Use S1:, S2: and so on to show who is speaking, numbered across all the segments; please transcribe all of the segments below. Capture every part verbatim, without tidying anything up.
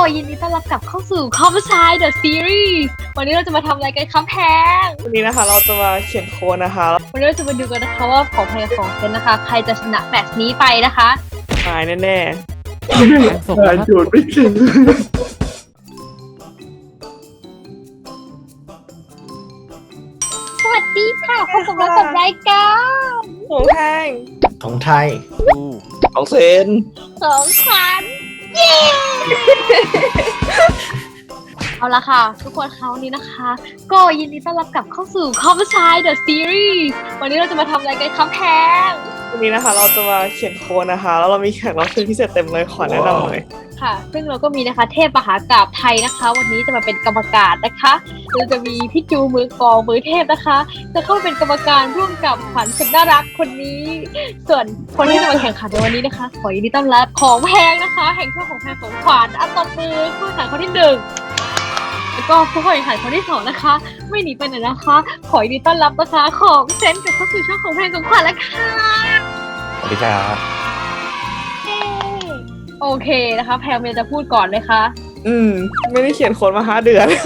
S1: ยินดีต้อนรับกลับเข้าสู่ Conversation The Series วันนี้เราจะมาทำอะไรกันคะแพง
S2: วันนี้นะคะเราจะมาเขียนโค้ดนะคะ
S1: วันนี้เราจะมาดูกันนะคะว่าของแพงกับของเซนนะคะใครจะชนะแมตช์นี้ไปนะคะ
S2: ตายแน่
S3: ๆส่งมาจูดไม่ถึง
S1: สวัสดีค่ะพบกับเรากับรายการ
S2: ของแพง
S3: ของไทย
S2: ของเซน
S1: ของขวัญเย้เอาละค่ะทุกคนคราวนี้นะคะก็ยินดีต้อนรับกลับเข้าสู่ Conversation The Series วันนี้เราจะมาทำอะไรกันคะแพง
S2: วันนี้นะคะเราจะมาเขียนโค้ดนะคะแล้วเรามีแขกรับเชิญพิเศษเต็มเลยขอแนะนำเลย
S1: ค่ะซึ่งเราก็มีนะคะเทพมหากาพย์ไทยนะคะวันนี้จะมาเป็นกรรมการนะคะเราจะมีพี่จูมือกลองมือเทพนะคะจะเข้าเป็นกรรมการร่วมกับขวัญสุดน่ารักคนนี้ส่วนคนที่จะมาแข่งขันในวันนี้นะคะขอยินดีต้อนรับของแพงนะคะแห่งช่วงของแพงของขวัญอันตบมือผู้แข่งขันคนที่หนึ่งแล้วก็ผู้แข่งขันคนที่สองนะคะไม่หนีไปไหนนะคะขอยินดีต้อนรับนะคะของเซนกับเข้าสู่ช่องของแพงของขวัญแล้วค่ะ
S3: สวัสดีครับ
S1: โอเคนะคะแพงเมย์จะพูดก่อนเลยค่ะ
S2: อืมไม่ได้เขียนโค้ดมาห้าเดือน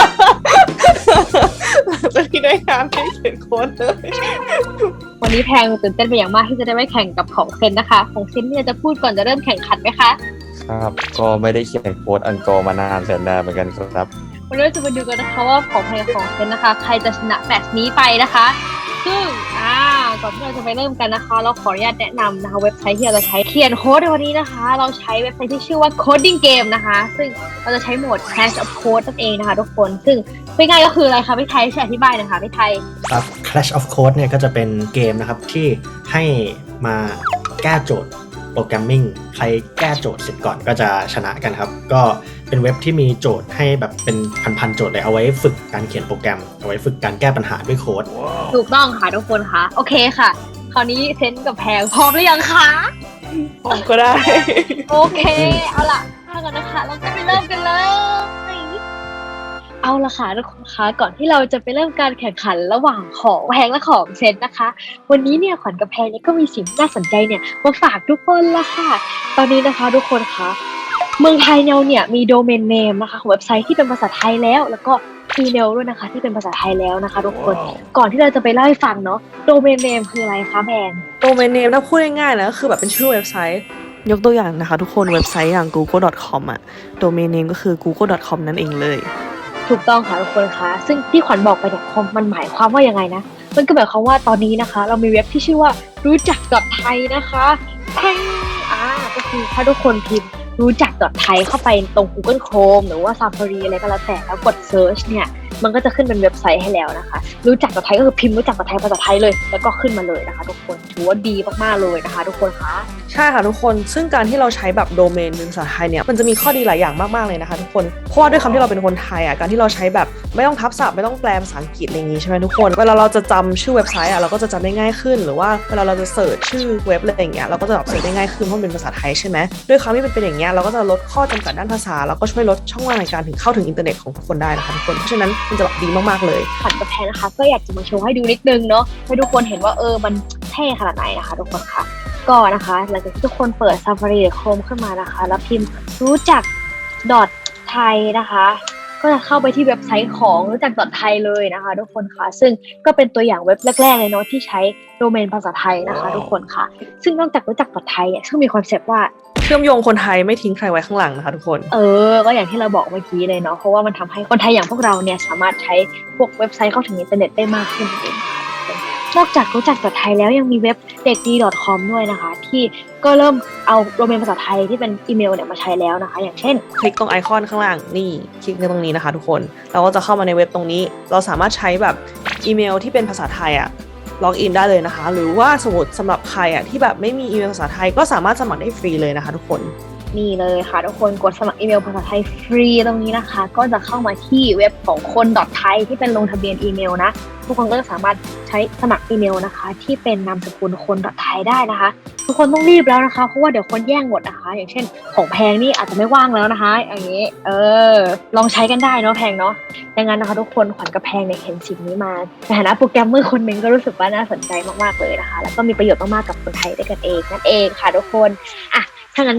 S2: จะที่ได้งานไม่ได้เขียนโค้ดเลย
S1: วันนี้แพงตื่นเต้นเป็นอย่างมากที่จะได้ไปแข่งกับของเซนนะคะของเซนเนี่ยจะพูดก่อนจะเริ่มแข่งขันไหมคะ
S3: ครับก็ไม่ได้เขียนโค้ดอันกอร์มานานแสนนานเหมือนกันครับ
S1: วันนี้เราจะมาดูกันนะคะว่าของแพงกับของเซนนะคะใครจะชนะแมตช์นี้ไปนะคะซึ่งอ่าก่อนที่เราจะไปเริ่มกันนะคะเราขออนุญาตแนะนำนะคะเว็บไซต์ที่เราจะใช้เขียนโค้ดในวันนี้นะคะเราใช้เว็บไซต์ที่ชื่อว่า Coding Game นะคะซึ่งเราจะใช้โหมด Clash of Code นั่นเองนะคะทุกคนซึ่งเป็นไงก็คืออะไรคะพี่ไทยช่วยอธิบายหน่อยค่ะพี่ไทย
S4: ครับ Clash of Code เนี่ยก็จะเป็นเกมนะครับที่ให้มาแก้โจทย์โปรแกรมมิ่งใครแก้โจทย์เสร็จก่อนก็จะชนะกันครับก็เป็นเว็บที่มีโจทย์ให้แบบเป็นพันๆโจทย์เลยเอาไว้ฝึกการเขียนโปรแกรมเอาไว้ฝึกการแก้ปัญหาด้วยโค้ด
S1: ถูกต้องค่ะทุกคนค่ะโอเคค่ะคราวนี้เซนกับแพงพร้อมหรือยังคะ
S2: พร้อมก็ได้
S1: โอเคเอาล่ะถ้างั้นนะคะเราจะไปเริ่มกันเลยเอาละค่ะทุกคนคะก่อนที่เราจะไปเริ่มการแข่งขันระหว่างของแพงและของเซนนะคะวันนี้เนี่ยขวัญกับแพงเนี่ยก็มีสิ่งน่าสนใจเนี่ยมาฝากทุกคนละค่ะตอนนี้นะคะทุกคนคะเมืองไทยเราเนี่ยมีโดเมนเนมนะคะของเว็บไซต์ที่เป็นภาษาไทยแล้วแล้วก็อีเมลด้วยนะคะที่เป็นภาษาไทยแล้วนะคะทุกคน wow. ก่อนที่เราจะไปเล่าให้ฟังเนาะโดเมนเนมคืออะไรคะแพง
S2: โดเมนเนมถ้าพูดง่ายๆนะก็คือแบบเป็นชื่อเว็บไซต์ยกตัวอย่างนะคะทุกคนเว็บไซต์อย่าง กูเกิล ดอท คอม อ่ะโดเมนเนมก็คือ กูเกิล ดอท คอม นั่นเองเลย
S1: ถูกต้องค่ะทุกคนคะซึ่งที่ขวัญบอกไปเนี่ยมันหมายความว่ายังไงนะมันก็หมายความว่าตอนนี้นะคะเรามีเว็บที่ชื่อว่ารู้จัก .ไทย นะคะแพงอ่าก็คือถ้าทุกคนพิมพ์รู้จัก .ไทย เข้าไปตรง Google Chrome หรือว่า Safari อะไรก็แล้วแต่แล้วกด Search เนี่ยมันก็จะขึ้นเป็นเว็บไซต์ให้แล้วนะคะรู้จัก .ไทย ก็คือพิมพ์รู้จัก .ไทย ภาษาไทยเลยแล้วก็ขึ้นมาเลยนะคะทุกคนถือว่าดีมากๆเลยนะคะทุกคนคะ
S2: ใช่ค่ะทุกคนซึ่งการที่เราใช้แบบโดเมนเป็นภาษาไทยเนี่ยมันจะมีข้อดีหลายอย่างมากๆเลยนะคะทุกคนเพราะว่าด้วยคำที่เราเป็นคนไทยอ่ะการที่เราใช้แบบไม่ต้องทับศัพท์ไม่ต้องแปลภาษาอังกฤษอะไรอย่างงี้ใช่ไหมทุกคนเวลาเราจะจำชื่อเว็บไซต์อ่ะเราก็จะจำได้ง่ายขึ้นหรือว่าเวลาเราจะเสิร์ชชื่อเว็บอะไรอย่างเงี้ยเราก็จะแบบเสิร์ชได้ง่ายขึ้นเพราะมันเป็นภาษาไทยใช่ไหมด้วยคำที่เป็นเป็นอย่างเงี้ยเราก็จะลดข้อจำกัดด้านภาษาแล้วก็ช่วยลดช่องว่างในการถึงเข้าถึงอินเทอร์เน็ตของทุกคนได้นะคะทุกคนเพราะฉะนั้นมันจะแบบดีมากๆเลย
S1: ขวัญกับแพนนะคะก็อยากจะมาโชว์ให้ดูนิดนึงเนาะให้ทุกคนเห็นว่าเออมันเท่ขนาดไหนนะคะทุกคนค่ะก็นะคะหลังจากที่ทุกคนเปิด Safari หรือ Chrome ขึ้นมานะคะแล้วพิมพ์รู้จัก .ไทย นะคะก็จะเข้าไปที่เว็บไซต์ของรู้จัก .ไทย เลยนะคะทุกคนค่ะซึ่งก็เป็นตัวอย่างเว็บแรกๆเลยเนาะที่ใช้โดเมนภาษาไทยนะคะทุกคนค่ะซึ่งนอกจากรู้จัก .ไทย เนี่ยซึ่งมีคอนเซปต์ว่า
S2: เชื่อมโยงคนไทยไม่ทิ้งใครไว้ข้างหลังนะคะทุกคน
S1: เออก็อย่างที่เราบอกเมื่อกี้เลยเนาะเพราะว่ามันทำให้คนไทยอย่างพวกเราเนี่ยสามารถใช้พวกเว็บไซต์เข้าถึงอินเทอร์เน็ตได้มากขึ้นเองนอกจากรู้จัก .ไทย แล้วยังมีเว็บเด็กดี .com ด้วยนะคะที่ก็เริ่มเอาโดเมนภาษาไทยที่เป็นอีเมลเนี่ยมาใช้แล้วนะคะอย่างเช่น
S2: คลิกตรงไอคอนข้างล่างนี่คลิกตรงนี้นะคะทุกคนเราก็จะเข้ามาในเว็บตรงนี้เราสามารถใช้แบบอีเมลที่เป็นภาษาไทยอะล็อกอินได้เลยนะคะหรือว่าสมมติสำหรับใครอะที่แบบไม่มีอีเมลภาษาไทยก็สามารถสมัครได้ฟรีเลยนะคะทุกคน
S1: นี่เลยค่ะทุกคนกดสมัครอีเมลภาษาไทยฟรีตรงนี้นะคะก็จะเข้ามาที่เว็บของคน .ไทย ที่เป็นลงทะเบียนอีเมลนะทุกคนก็จะสามารถใช้สมัครอีเมลนะคะที่เป็นนามสกุลคน .ไทย ได้นะคะทุกคนต้องรีบแล้วนะคะเพราะว่าเดี๋ยวคนแย่งหมดนะคะอย่างเช่นของแพงนี่อาจจะไม่ว่างแล้วนะคะอย่างนี้เออลองใช้กันได้เนาะแพงเนาะดังนั้นนะคะทุกคนขวัญกับแพงเนี่ยเห็นสิ่งนี้มาในฐานะโปรแกรมเมอร์คนหนึ่งก็รู้สึกว่าน่าสนใจมากๆเลยนะคะแล้วก็มีประโยชน์มากๆกับคนไทยด้วยกันเองนั่นเองค่ะทุกคนอ่ะถ้างั้นก็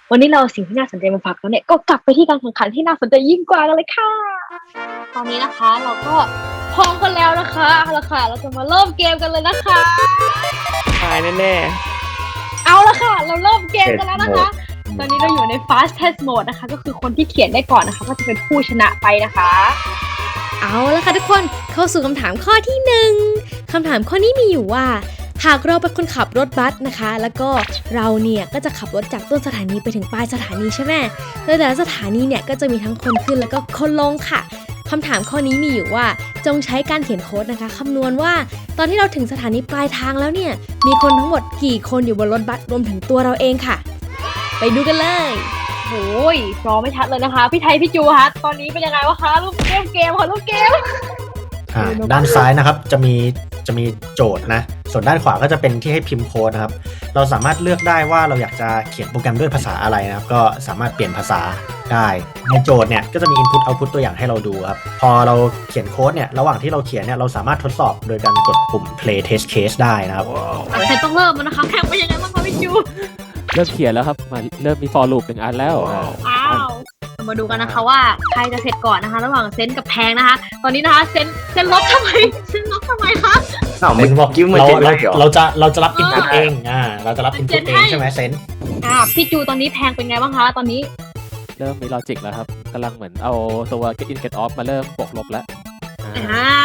S1: วันนี้เราสิ่งที่น่าสนใจมาฝากแล้วเนี่ยก็กลับไปที่การแข่งขันที่น่าสนใจยิ่งกว่ากันเลยค่ะตอนนี้นะคะเราก็พร้อมกันแล้วนะคะเอาละค่ะเราจะมาเริ่มเกมกันเลยนะคะ
S2: ตายแน่
S1: เอาละค่ะเราเริ่มเกมกันแล้วนะคะตอนนี้เราอยู่ใน fast test mode นะคะก็คือคนที่เขียนได้ก่อนนะคะก็จะเป็นผู้ชนะไปนะคะ
S5: เอาละค่ะทุกคนเข้าสู่คำถามข้อที่หนึ่งคำถามข้อนี้มีอยู่ว่าหากเราเป็นคนขับรถบัสนะคะ แล้วก็เราเนี่ยก็จะขับรถจากต้นสถานีไปถึงปลายสถานีใช่ไหมโดยแต่ละสถานีเนี่ยก็จะมีทั้งคนขึ้นแล้วก็คนลงค่ะคำถามข้อนี้มีอยู่ว่าจงใช้การเขียนโค้ดนะคะคำนวณว่าตอนที่เราถึงสถานีปลายทางแล้วเนี่ยมีคนทั้งหมดกี่คนอยู่บนรถบัสรวมถึงตัวเราเองค่ะไปดูกันเลย
S1: โอ้ยรอไม่ชัดเลยนะคะพี่ไทยพี่จูคะตอนนี้เป็นยังไงวะคะรูปเกมเกมค่ะรูปเกม
S4: อ่าด้านซ้ายนะครับจะมีจะมีโจทย์นะส่วนด้านขวาก็จะเป็นที่ให้พิมพ์โค้ดนะครับเราสามารถเลือกได้ว่าเราอยากจะเขียนโปรแกรมด้วยภาษาอะไรนะครับก็สามารถเปลี่ยนภาษาได้ในโจทย์เนี่ยก็จะมี input output ตัวอย่างให้เราดูครับพอเราเขียนโค้ดเนี่ยระหว่างที่เราเขียนเนี่ยเราสามารถทดสอบโดยการกดปุ่ม play test case ได้นะครับ
S1: ใครต้องเริ่มแล้วนะคะแข่งเป็นยังไงบ้างคะพี่จู
S6: เริ่มเขียนแล้วครับมาเริ่มมี for loop หนึ่งอันแล้วอ่า
S1: อ้าวเรามาดูกันนะคะว่าใครจะเสร็จก่อนนะคะ ระหว่างเซนกับแพงนะคะ ตอนนี้นะคะเซนเซนลบทำไมเซนลบทำไมคะ
S3: อ้าว
S4: เซ
S3: เมื่อน
S4: บอก
S3: กี้มัน
S4: เรา
S3: เจ็ด
S4: เรา
S3: ได้เหรอ
S4: เราจะเราจะรับ input
S1: เออ
S4: เองอ่าเราจะรับ
S1: มัน
S4: input
S1: เจน
S4: เอ
S1: ให้
S4: งใช่ไหมเซน
S1: อ่าพี่จูตอนนี้แพงเป็นไงบ้างคะตอนนี้
S6: เริ่มมี logic แล้วครับกำลังเหมือนเอาตัว get in get off มาเริ่มบวกลบแล้วอ่า
S1: อ่า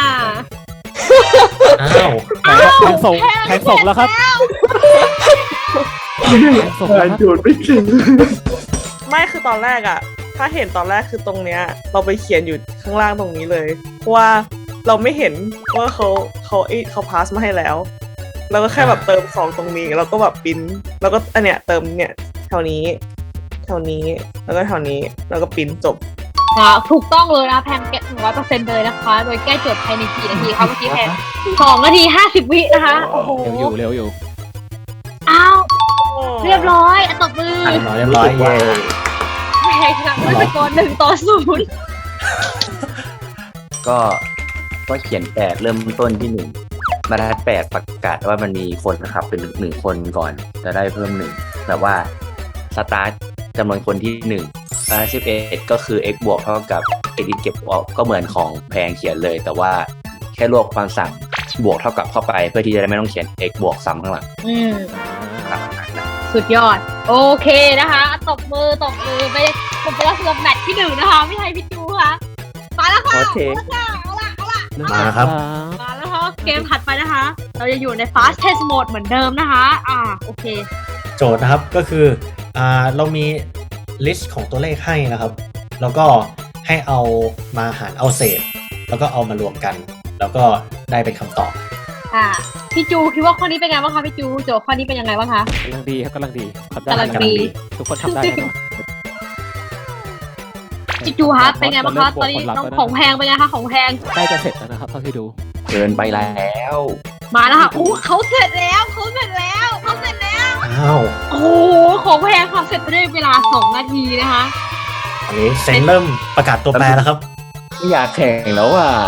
S4: อ้าว
S6: แทงแทงส่งแทงส่งแล้วครับแทงส่งแล้วครับ
S2: ๆไม่คือตอนแรกอะถ้าเห็นตอนแรกคือตรงเนี้ยเราไปเขียนอยู่ข้างล่างตรงนี้เลยเพราะว่าเราไม่เห็นว่าเขาเขาเอ้ยเขาพาสมาให้แล้วเราก็แค่แบบเติมสองตรงนี้แล้วก็แบบปริ้นแล้วก็อันเนี้ยเติมเนี่ยแถวนี้แถวนี้แล้วก็แถวนี้แล้วก็ปริ้นจบ
S1: อ่าถูกต้องเลยนะคะแพงเก็ตหนึ่งร้อยเปอร์เซ็นต์เลยนะคะ โดยแก้โจทย์ภายในกี่นาทีคะเมื่อกี้แพงสองนาทีห้าสิบวินะคะโอ้โห
S6: เร็วอยู่เร็วอยู่
S1: อ้าวเรียบร้อยอ่ะตบมือ
S4: อ่ะเรียบร้อยเย้
S1: แพงชนะด้วยสกอร์หนึ่งต่อศูนย์
S3: ก็ก็เขียนแปดเริ่มต้นที่หนึ่งบรรทัดแปดประกาศว่ามันมีคนนะครับเป็นหนึ่งคนก่อนจะได้เพิ่มหนึ่งแบบว่าสตาร์ทจำนวนคนที่หนึ่งบรรทัดสิบเอ็ดก็คือ x บวกเท่ากับ x เก็บออกก็เหมือนของแพงเขียนเลย แต่ว่าแค่รวบความสั่งบวกเท่ากับเข้าไปเพื่อที่จะได้ไม่ต้องเขียน x บวกซ้ำข้างหลัง
S1: อืม
S6: อ่า
S1: สุดยอด โอเคนะคะตบมือตบมือไปผมไปแล้วสำหรับแมตช์ที่หนึ่งนะคะพี่ไทยพี่จูค่ะมาแล้วค่ะ
S3: โอเค
S1: เอาละเอาละ
S4: มาครับ
S1: มาแล้วค่ะเกมถัดไปนะคะ เราจะอยู่ใน fast test mode เหมือนเดิมนะคะ อ่าโอเค
S4: โจทย์นะครับก็คืออ่าเรามีลิสต์ของตัวเลขให้นะครับ แล้วก็ให้เอามาหารเอาเศษ แล้วก็เอามารวมกัน แล้วก็ได้เป็นคำตอบ
S1: อ่าพี่จูคิดว่าข้อนี้เป็นไงบ้างคะพี่จูโจทย์ข้อนี้เป็นยังไงบ้างคะ
S6: กำลังดีครับกำลังดีทำได้
S1: กำลังดี
S6: ทุกคนทำได้แน่นอน
S1: พี่จูคะเป็นไงบ้างคะตอนนี้น้องของแพงเป็นไงคะของแพง
S6: ใกล้จะเสร็จแล้วนะครับเท่าที่ดู
S3: เกินไปแล้ว
S1: มาแล้วค่ะอู้เขาเสร็จแล้วเขาเสร็จแล้วเขาเสร็จแล้ว
S4: อ้าว
S1: โอ้โหของแพงค่ะเสร็จไปได้เวลาสองนาทีนะคะ
S4: อันนี้เซนเริ่มประกาศตัวแปรแล้วครับ
S3: ไม่อยากแข่งแล้วอ่ะ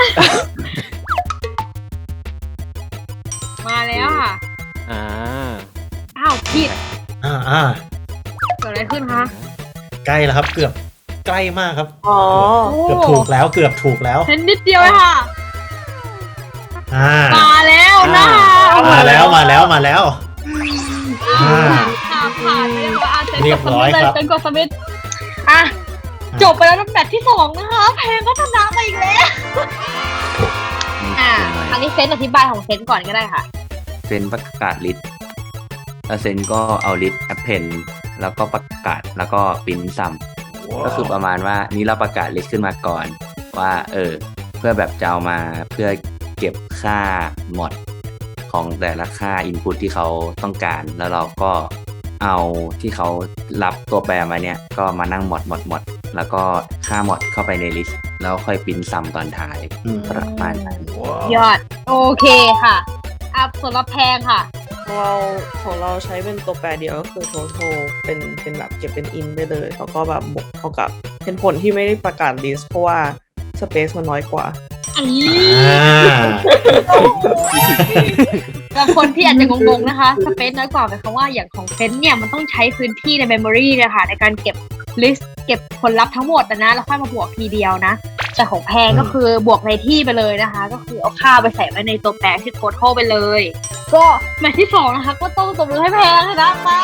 S1: มาแล้วค่ะ
S6: อ่า
S1: อ้าวผิด
S4: อ่าอ่า
S1: เกิดอะไรขึ้นคะ
S4: ใกล้แล้วครับ เกือบใกล้มากครับ
S2: อ๋อ
S4: เกือบถูกแล้วเกือบถูกแล้ว
S1: เห็นนิดเดียวเลยค่ะ
S4: อ่า
S1: มาแล้วนะคะ
S4: มาแล้วมาแล้วมาแล้ว
S1: อ่าผ่านผ่านไปแล้วอ่ะเซ็น
S4: เรี
S1: ก
S4: ย
S1: ด
S4: บ
S1: ส
S4: ร้
S1: มิ
S4: อย
S1: ธเลย
S4: ครับ
S1: เซ็นกดสมิธอ่ะจบไปแล้วในแมตช์ที่สองนะคะแพงก็ชนะไปอีกแล้ว อ่าอันนี้เซนอธิบายของเซนก่อนก็ได้ค่ะ
S3: เซนประกาศลิสต์แล้วเซนก็เอาลิสต์แอปเพนแล้วก็ประกาศแล้วก็ปริ้นซ้ำก็คือประมาณว่านี้เราประกาศลิสต์ขึ้นมาก่อนว่าเออเพื่อแบบจะเอามาเพื่อเก็บค่าหมดของแต่ละค่า Input ที่เขาต้องการแล้วเราก็เอาที่เขารับตัวแปรมาเนี่ยก็มานั่งหมดหมดหมดแล้วก็ค่าหมดเข้าไปในลิสต์แล้วค่อยปริ้นซ้ำตอนท้าย
S4: อืม
S3: ประมาณนั้น
S1: ยอด โอเคค่ะอ่ะส่วนรับแพงค่ะ
S2: ของเราของเราใช้เป็นตัวแปรเดียวก็คือ total เป็นเป็นแบบเก็บเป็น in ได้เลยแล้วก็แบบบวกเท่ากับเป็นผลที่ไม่ได้ประกาศ list เพราะว่า space มันน้อยกว่า
S1: อัน
S4: อ่า
S1: บางคนที่อาจจะงงๆนะคะสเปซน้อยกว่าหมายความว่าอย่างของเซนเนี่ยมันต้องใช้พื้นที่ในเมมโมรีนะคะในการเก็บลิสต์เก็บผลลัพธ์ทั้งหมดนะแล้วค่อยมาบวกทีเดียวนะแต่ของแพงก็คือบวกในที่ไปเลยนะคะก็คือเอาค่าไปใส่ไว้ในตัวแปรที่โคโทไปเลย ก็แมตช์ที่สองนะคะก็ต้องตบมือให้แพงชนะไป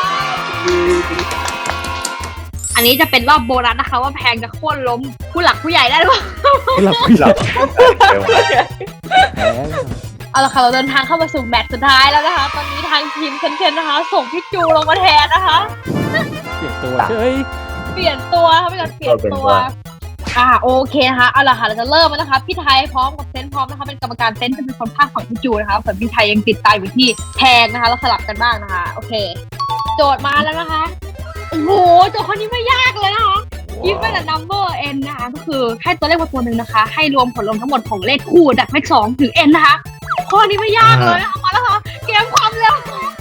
S1: อันนี้จะเป็นรอบโบนัสนะคะว่าแพงจะโค่นล้มผู้หลักผู้ใหญ่ได้หรือเปล่า
S6: หลับหลับแพ้
S1: เอาละค่ะเราเดินทางเข้ามาสู่แมตช์สุดท้ายแล้วนะคะตอนนี้ทางทีมเคนๆนะคะส่งพี่จูลงมาแทนนะคะ
S6: เปลี่ยนตัวเฉย
S1: เปลี่ยนตัวค่ะเป็นการเปลี่ยนตัวอ่าโอเคนะคะเอาละค่ะเราจะเริ่มแล้วนะคะพี่ไทยพร้อมกับเซนพร้อมนะคะเป็นกรรมการเซนจะเป็นคนภาคของพี่จูนะคะส่วนพี่ไทยยังติดตามอยู่ที่แพงนะคะเราสลับกันบ้างนะคะโอเคโจทย์มาแล้วนะคะโอ้โหโจทย์ข้อนี้ไม่ยากเลยนะคะ given a number n นะคะก็คือให้ตัวเลขมาตัวหนึ่งนะคะให้รวมผลรวมทั้งหมดของเลขคู่จากเลขสองถึง n นะคะข้อนี้ไม่ยากเลยนะคะมาแล้วค่ะเกมความเร็ว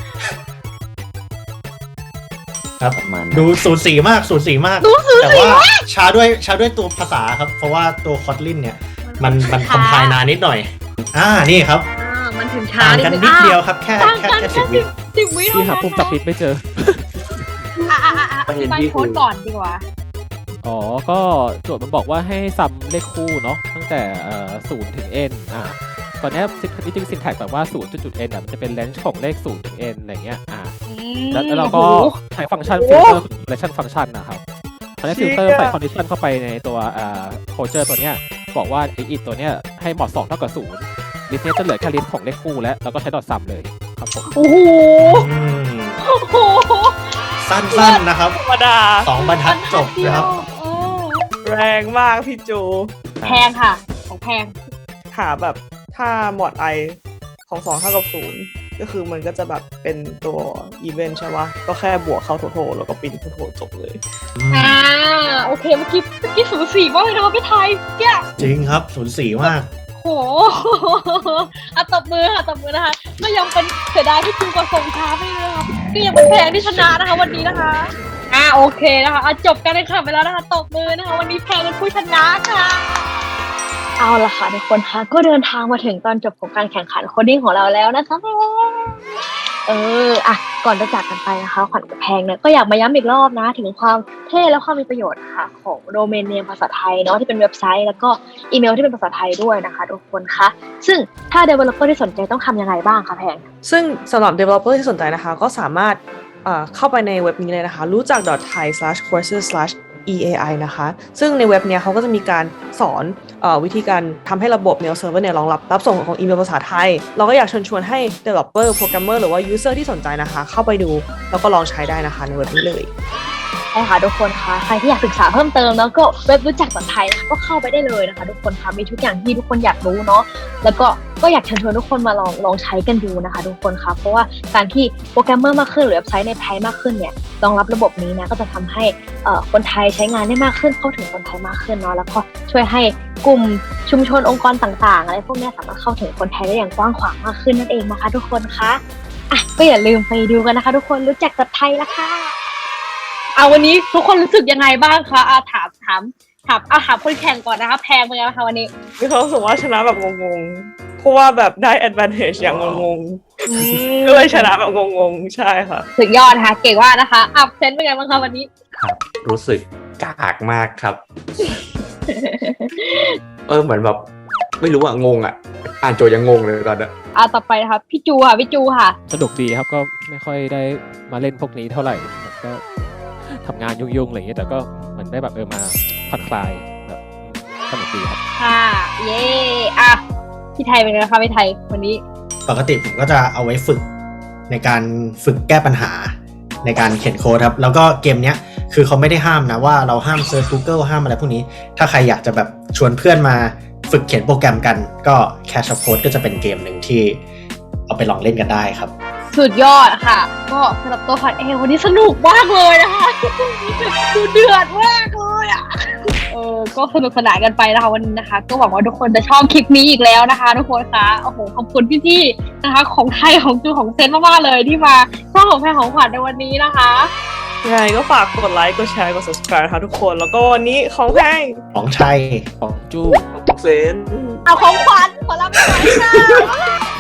S4: ครับ
S3: ประมาณ
S4: ดูสูสีมากสูสีมาก
S1: ดูสูสี
S4: แต่ว่าช้าด้วยช้าด้วยตัวภาษาครับ เพราะว่าตัวคอตลินเนี่ย มันมันคอมไพล์นานนิดหน่อย อ่านี่ครับ
S1: อ่ามันถึงช้า
S4: ต่าง
S1: นิด
S4: กัน
S1: นึง
S4: นิด
S1: อ่ะ
S4: เดียวครับ แค่
S1: ต่าง
S4: แค่
S1: กัน
S4: แค่
S1: แค่
S4: สิบวิ
S1: สิบวิ
S6: ที่หาปุ่มจับผิดไม่เจอ
S1: อ่ะอ่ะอ่ะอ่ะอธิบายโค้ดก่อนดีกว่า
S6: อ๋อ ก็โจทย์มันบอกว่าให้ซัมเลขคู่เนาะตั้งแต่เอ่อศูนย์ถึง n อ่าตอนนี้จริงๆ syntax แบบว่าศูนย์จุด n อ่ะมันจะเป็น range ของเลขศูนย์ถึง n อะไรเงี้ยอ่าแล้วแล้วเราก็ใช้ฟังก์ชัน filter relation function นะครับตอนนี้ filter ใส่ condition เข้าไปในตัวอ่า closure ตัวเนี้ยบอกว่าไอ้ it ตัวเนี้ยให้ mod สองเท่ากับศูนย์ list เนี้ยจะเหลือแค่ list ของเลขคู่แล้วแล้วก็ใช้ dot sum เลยครับผม
S1: โอ้โห
S4: อืม
S1: โอ้โห
S4: สั้นๆนะครับ
S2: ธรรมดา
S4: สองบรรทัดจบนะครับ
S1: เออ
S2: แรงมากพี่จู
S1: แพงค่ะ ของแพง
S2: หาแบบถ้าหมวดไอของสองเท่ากับศูนย์ก็คือมันก็จะแบบเป็นตัวอีเวนต์ใช่ปะก็แค่บวกเข้าโทโทแล้วก็ปรินโทโทจบเลย
S1: อ่าโอเคเมื่อกี้เมื่อกี้สูสีมากเลยนะคะพี่ไทยเจ้า
S4: จริงครับสูสีมาก
S1: โหอ่ะตบมือค่ะตบมือนะคะก็ยังเป็นเสียดายที่จูกับส่งช้าไปเลยนะคะก็ยังเป็นแพงที่ชนะนะคะวันนี้นะคะอ่าโอเคนะคะอ่ะจบกันเลยค่ะไปแล้วนะคะตบมือนะคะวันนี้แพงเป็นผู้ชนะค่ะเอาละค่ะทุกคนคะก็เดินทางมาถึงตอนจบของการแข่งขันโคดดิ้งของเราแล้วนะคะเอออ่ะก่อนจะจากกันไปนะคะขวัญกับแพงเนี่ยก็อยากมาย้ำอีกรอบนะถึงความเท่และความมีประโยชน์ค่ะของโดเมนเนมภาษาไทยเนาะที่เป็นเว็บไซต์แล้วก็อีเมลที่เป็นภาษาไทยด้วยนะคะทุกคนคะซึ่งถ้า developer ที่สนใจต้องทำยังไงบ้างคะแพง
S2: ซึ่งสำหรับ developer ที่สนใจนะคะก็สามารถเอ่อเข้าไปในเว็บนี้เลยนะคะรู้จัก .thai slash courses slash อี เอ ไอ นะคะซึ่งในเว็บเนี้ยเขาก็จะมีการสอนเอ่อวิธีการทำให้ระบบ mail server เนี่ยรองรับรับส่งของอีเมลภาษาไทยเราก็อยากเชิญชวนให้ developer programmer หรือว่า user ที่สนใจนะคะเข้าไปดูแล้วก็ลองใช้ได้นะคะในเว็บนี้เลย
S1: ใช่ค่ะทุกคนคะใครที่อยากศึกษาเพิ่มเติมแล้วก็เว็บรู้จักแบบไทยนะคะก็เข้าไปได้เลยนะคะทุกคนคะมีทุกอย่างที่ทุกคนอยากรู้เนาะแล้วก็ก็อยากเชิญชวนทุกคนมาลองลองใช้กันดูนะคะทุกคนคะเพราะว่าการที่โปรแกรมเมอร์มากขึ้นหรือเว็บไซต์ในไทยมากขึ้นเนี่ยรองรับระบบนี้นะก็จะทำให้เอ่อคนไทยใช้งานได้มากขึ้นเข้าถึงคนไทยมากขึ้นเนาะแล้วก็ช่วยให้กลุ่มชุมชนองค์กรต่างๆอะไรพวกนี้สามารถเข้าถึงคนไทยได้อย่างกว้างขวางมากขึ้นนั่นเองนะคะทุกคนคะอ่ะก็อย่าลืมไปดูกันนะคะทุกคนรู้จักกับไทยละค่ะเอาวันนี้ทุกคนรู้สึกยังไงบ้างคะอาถามถามถามเอาถามคนแข่งก่อนนะคะแพงเป็นไงบ้างคะวันนี้
S2: มีความรู้สึกว่าชนะแบบงงๆเพราะว่าแบบได้ advantage อย่างงงๆก็เลยชนะแบบงงๆใช่ค่ะ
S1: สุดยอดนะคะเก่งมากนะคะอัพเซนเป็นไงบ้างคะวันนี้
S3: ครับรู้สึกกากมากครับ เออเหมือนแบบไม่รู้อะงงอะอ่านโจทย์ยังงงเลยตอนนี้
S1: อ่าต่อไปนะคะพี่จูค่ะพี่จูค่ะ
S6: สนุกดีครับก็ไม่ค่อยได้มาเล่นพวกนี้เท่าไหร่แบบก็ทำงานยุ่งๆอะไรอย่างเงี้ยแต่ก็เหมือนได้แบบเออมาผ่อนคลายแบบสนุกดีครับ
S1: ค่ะเย่อ่ะพี่ไทยเป็นไงคะพี่ไทยวันนี้
S4: ปกติผมก็จะเอาไว้ฝึกในการฝึกแก้ปัญหาในการเขียนโค้ดครับแล้วก็เกมเนี้ยคือเขาไม่ได้ห้ามนะว่าเราห้ามเซิร์ช Google ห้ามอะไรพวกนี้ถ้าใครอยากจะแบบชวนเพื่อนมาฝึกเขียนโปรแกรมกันก็ Cash of Code ก็จะเป็นเกมหนึ่งที่เอาไปลองเล่นกันได้ครับ
S1: สุดยอดค่ะก็สำหรับตัวขวัญเองวันนี้สนุกมากเลยนะคะดูเดือดมากเลยอ่ะเออก็สนุกสนานกันไปนะคะวันนี้นะคะก็หวังว่าทุกคนจะชอบคลิปนี้อีกแล้วนะคะทุกคนคะโอ้โหขอบคุณพี่ๆนะคะของไทยของจูของเซนมากๆเลยที่มาช่องของแพรของขวัญในวันนี้นะคะ
S2: ยังไงก็ฝากกดไลค์กดแชร์กด subscribe นะคะทุกคนแล้วก็วันนี้ของแพง
S4: ของชัย
S6: ของจู้
S2: เซน
S1: เอาของขวัญขอรับไปหน่อยค่ะ